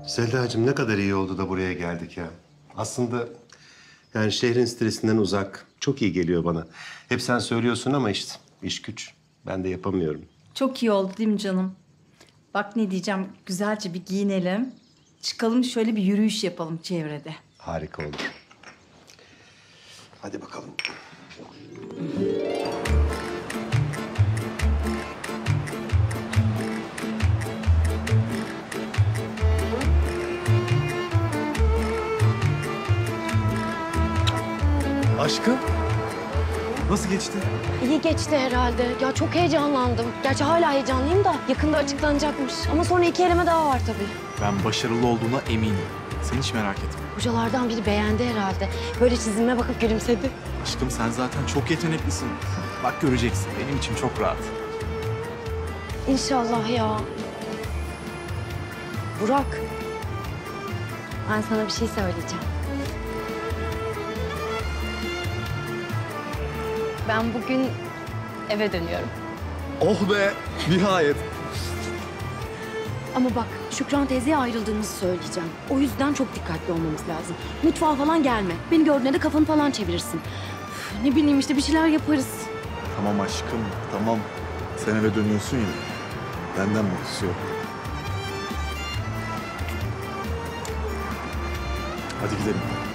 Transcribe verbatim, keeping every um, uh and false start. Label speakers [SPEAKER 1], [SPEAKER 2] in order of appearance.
[SPEAKER 1] Selda'cığım ne kadar iyi oldu da buraya geldik ya. Aslında yani şehrin stresinden uzak. Çok iyi geliyor bana. Hep sen söylüyorsun ama işte iş güç. Ben de yapamıyorum.
[SPEAKER 2] Çok iyi oldu değil mi canım? Bak ne diyeceğim, güzelce bir giyinelim. Çıkalım şöyle bir yürüyüş yapalım çevrede.
[SPEAKER 1] Harika olur. Hadi bakalım.
[SPEAKER 3] Aşkım, nasıl geçti?
[SPEAKER 4] İyi geçti herhalde. Ya çok heyecanlandım. Gerçi hala heyecanlıyım da yakında açıklanacakmış. Ama sonra iki eleme daha var tabii.
[SPEAKER 3] Ben başarılı olduğuna eminim. Sen hiç merak etme.
[SPEAKER 4] Hocalardan biri beğendi herhalde. Böyle çizime bakıp gülümsedi.
[SPEAKER 3] Aşkım sen zaten çok yeteneklisin. Bak göreceksin, benim için çok rahat.
[SPEAKER 4] İnşallah ya. Burak. Ben sana bir şey söyleyeceğim. Ben bugün eve dönüyorum.
[SPEAKER 3] Oh be, nihayet.
[SPEAKER 4] Ama bak Şükran teyzeye ayrıldığımızı söyleyeceğim. O yüzden çok dikkatli olmamız lazım. Mutfağa falan gelme. Beni gördüğünde de kafanı falan çevirirsin. Üf, ne bileyim işte bir şeyler yaparız.
[SPEAKER 3] Tamam aşkım, tamam. Sen eve dönüyorsun ya, benden mutlusu yok. Hadi gidelim.